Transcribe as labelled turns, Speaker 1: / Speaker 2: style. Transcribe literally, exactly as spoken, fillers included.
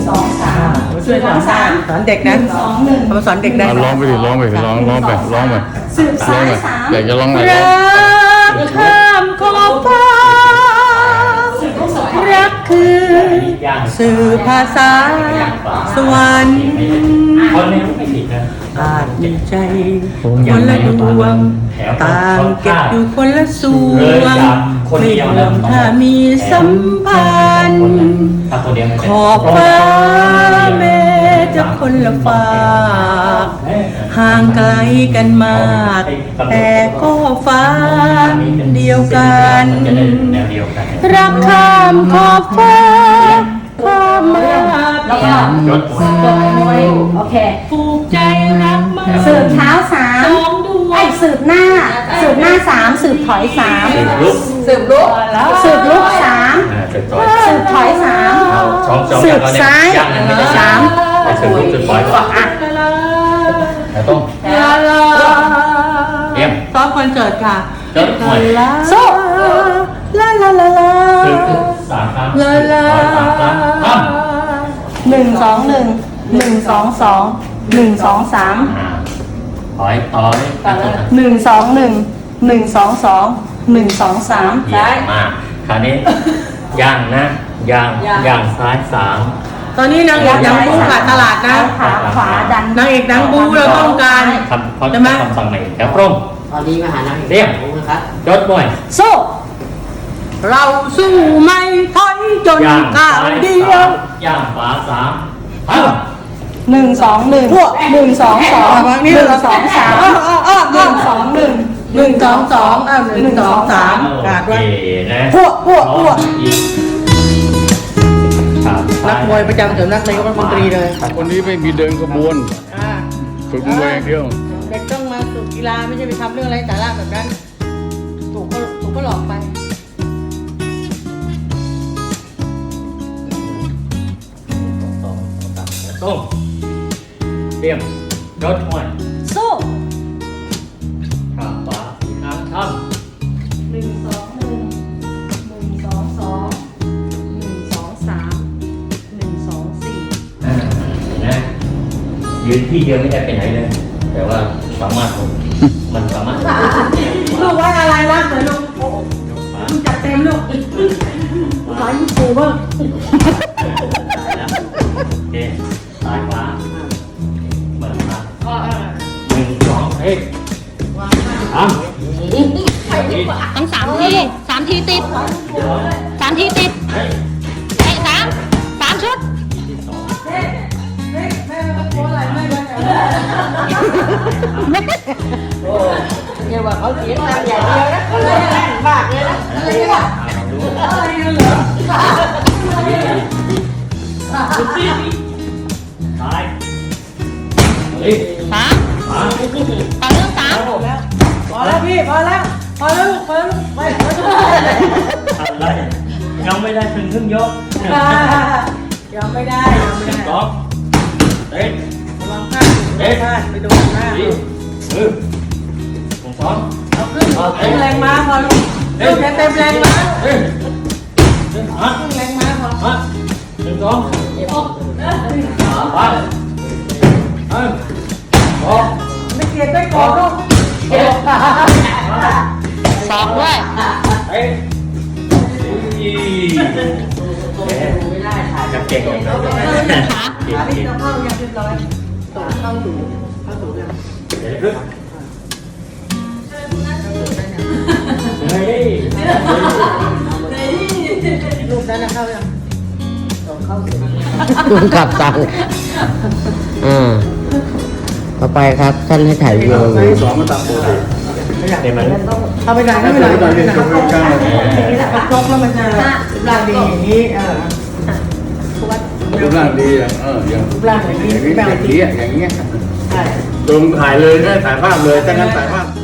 Speaker 1: สองสามช่วยสอนสามสอนเด็กนะสองหนึ่งเขาสอนเด็กได้
Speaker 2: ร้องไปดิร้องไปร้องร้องไปร้องไป
Speaker 1: สืบสายสาม
Speaker 2: อยากจะร้องอะไร
Speaker 1: รักข้ามขอบฟ้ารักคือสื่อภาษาสวรรค์อาจมีใจคนละดวงต่างเก็บอยู่คนละส่วนไม่รวมถ้ามีสัมพันธ์ขอบฟ้าแม้จะคนละฟ้าห่างไกลกันมากแต่ก็ฟ้าเดียวกันรักข้ามขอบฟ้าข้ามมาแล้วก็
Speaker 3: ยศ
Speaker 1: โอเคผูกใจรักมา
Speaker 4: สืบเท้าสามไอ้สืบหน้าสืบหน้าสามสืบถอยสาม
Speaker 3: สืบลุก
Speaker 4: สืบลุกสามสืบถอยสามสืบซ้ายสาม
Speaker 3: สืบลุกสืบถอยก่อนอ่ะแล้วต้องเตรียม
Speaker 1: ซ้อมคอนเสิร์ตค่ะ
Speaker 3: ยศหน่อย
Speaker 4: โซ่ลาลาลาลา
Speaker 3: สืบลุกสามครั้ง
Speaker 4: ลาลาหนึ่งสองหนึ่งหนึ่งสองสองหนึ่งสองสาม
Speaker 3: ถอยถอย
Speaker 4: หนึ่งสองหนึ่งหนึ่งสองสองหนึ่งสองสาม
Speaker 3: ซ้ายมาคราวนี้ย่างนะย่างย่างซ้ายสาม
Speaker 1: ตอนนี้นางเอกดังบูขาดตลาดนะ
Speaker 4: ขาขวาดัน
Speaker 1: นางเอกดังบูเราต้องการ
Speaker 3: คำเขาจะคำสั่งใหม่แถวพร่ม
Speaker 5: ตอนนี้มาหานางเอก
Speaker 3: เรียบ
Speaker 5: นะครับ
Speaker 3: ยศหน่อย
Speaker 4: โซ่
Speaker 1: เราสู้ไม่ถอยจนก้าวเดียว
Speaker 3: ย่างขวาสาม
Speaker 4: หนึ่งสองหนึ่งหนึ่งสองสองหนึ่งสองสามหนึ่งสองหนึ่ง
Speaker 1: หนึ่งสองสองอ้าวหนึ่งสองสามขาดไว้
Speaker 4: พวกพวกพวก
Speaker 1: นักมวยประจำสำนักนายกรัฐมนตรีเลย
Speaker 2: คนนี้ไม่มีเดินขบวนฝึกมวยอย่างเดียว
Speaker 1: เด็กต้องมาฝึกกีฬาไม่ใช่ไปทำเรื่องไร้สาระแบบนั้นถูกก็ถูกก็หลอกไป
Speaker 3: ส้มเตรียมยศหน่อย
Speaker 4: โซ่
Speaker 3: ขาขวาสี่ครั้งท
Speaker 4: ำหนึ่งสองหนึ่งหนึ่งสองสองหนึ่งสองสามหนึ่งสองสี่
Speaker 3: เห็นไหมยืนที่เดียวไม่ได้ไปไหนเลยแต่ว่าสามารถมันสามารถ
Speaker 1: ลูกว่าอะไรวะเหมือนลูกลูกจัดเต็มลูกขอยิ้มปูบ้าง
Speaker 3: โอเคซ้ายขวาเปิดมาหนึ่งสองเฮ้ยสาม
Speaker 4: ต้องสามทีสามทีติดสามทีติดเฮ้ยสามสามชุด
Speaker 1: แม่แม่แม่โค้อะไรแม่กันเนี่ยว่าเขาเสียงดังอย่างเดียวนะอะไรบากเลยนะอะไรวะอะไรเหรอ
Speaker 3: ซ้ายเฮ้ย
Speaker 4: สามต่อเรื่องสาม
Speaker 1: พอแล้วพี่พอแล้วพอแล้วพอแล้วไป
Speaker 3: อะไรยังไม่ได้ถึงครึ่งยก
Speaker 1: ยังไม่ได้ยังไม่ได้
Speaker 3: สองเตะ
Speaker 1: ระวังพลาดเตะพลาดไปโดนหน้า
Speaker 3: เออผมสอง
Speaker 1: เอาขึ้นเต็มแรงม้าพอลูกเต็มเต็มแรงม้า
Speaker 3: เฮ้ยขึ้น
Speaker 1: แรงม้าพอ
Speaker 3: หนึ่งสองไปเออสอง
Speaker 1: ไม่เกลียดไม่กอดลูก
Speaker 4: สองด้วย
Speaker 3: เฮ้ยไม่ได้ถ่ายกับเก่งอย่างนั้น
Speaker 1: ขาพี่เราเข้ายังเรียบร้อยต่อเข้าถูเข้าถูเลย
Speaker 3: เดี๋ยวขึ้นเฮ้ย
Speaker 1: ลูกนั้นเข้ายังเข้าเสร็จ
Speaker 5: คุณขับตังอ่าต่อไปครับท่านให้ถ่ายวิดีโอ
Speaker 2: สองมาตัดโบได้
Speaker 3: เห็นไหม
Speaker 1: เอาไปไหนไม่เป็นไรอย่างนี้แหละครบแล้วมันจะร่างดีอย่างนี้เออ
Speaker 2: รูปร่างดีอย่างเอออย่าง
Speaker 1: รูปร่างอย่างนี้
Speaker 2: อย่างนี้อย่างนี้อย่างเงี้ย
Speaker 1: ใช่
Speaker 2: ตรงถ่ายเลยได้ถ่ายภาพเลยถ้างั้นถ่ายภาพ